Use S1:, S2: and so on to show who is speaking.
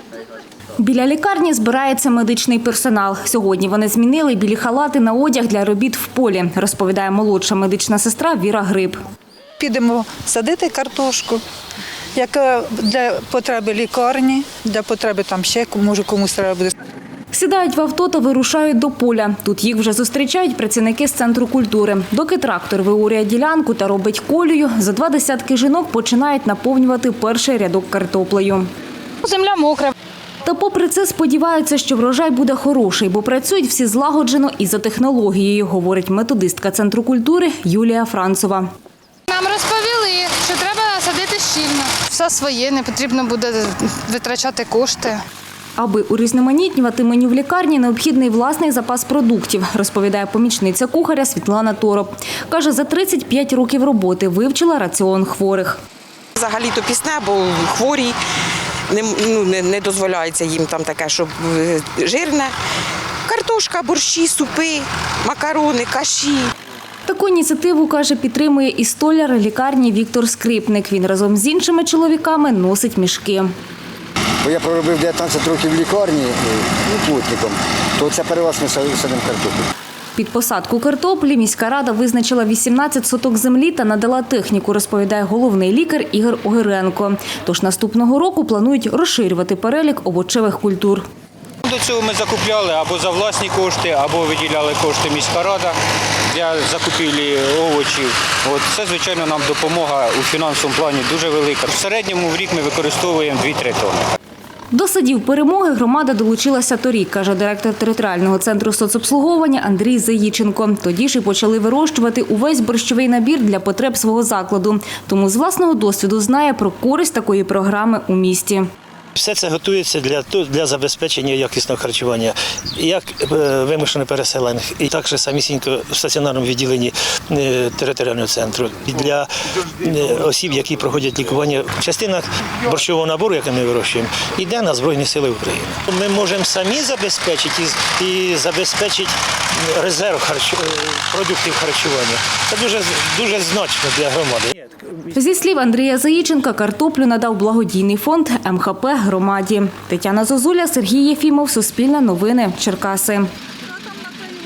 S1: Біля лікарні збирається медичний персонал. Сьогодні вони змінили білі халати на одяг для робіт в полі, розповідає молодша медична сестра Віра Гриб.
S2: Підемо садити картошку, яка для потреби лікарні, для потреби там ще, може комусь треба буде.
S1: Сідають в авто та вирушають до поля. Тут їх вже зустрічають працівники з центру культури. Доки трактор виорює ділянку та робить колію, за 20 жінок починають наповнювати перший рядок картоплею.
S3: Земля мокра.
S1: Та попри це сподіваються, що врожай буде хороший, бо працюють всі злагоджено і за технологією, говорить методистка центру культури Юлія Францова.
S3: Нам розповіли, що треба садити щільно. Все своє, не потрібно буде витрачати кошти.
S1: Аби урізноманітнювати меню в лікарні, необхідний власний запас продуктів, розповідає помічниця кухаря Світлана Тороп. Каже, за 35 років роботи вивчила раціон хворих.
S4: Взагалі-то пісне, бо хворі, не дозволяється їм там таке, щоб жирне. Картошка, борщі, супи, макарони, каші.
S1: Таку ініціативу, каже, підтримує і столяр лікарні Віктор Скрипник. Він разом з іншими чоловіками носить мішки.
S5: Бо я проробив 19 років в лікарні плотником, то це переважно садимо картоплю.
S1: Під посадку картоплі міська рада визначила 18 соток землі та надала техніку, розповідає головний лікар Ігор Огиренко. Тож наступного року планують розширювати перелік овочевих культур.
S6: До цього ми закупляли або за власні кошти, або виділяли кошти міська рада для закупівлі овочів. Це, звичайно, нам допомога у фінансовому плані дуже велика. В середньому в рік ми використовуємо 2-3 тонни.
S1: До садів перемоги громада долучилася торік, каже директор територіального центру соцобслуговування Андрій Заїченко. Тоді ж і почали вирощувати увесь борщовий набір для потреб свого закладу. Тому з власного досвіду знає про користь такої програми у місті.
S7: Все це готується для забезпечення якісного харчування, як вимушених переселених, і також самісінько в стаціонарному відділенні територіального центру. І для осіб, які проходять лікування, частина борщового набору, який ми вирощуємо, йде на Збройні Сили України. Ми можемо самі забезпечити і забезпечити резерв продуктів харчування. Це дуже значно для громади.
S1: Зі слів Андрія Заїченка, картоплю надав благодійний фонд МХП громаді. Тетяна Зозуля, Сергій Єфімов, Суспільне новини, Черкаси.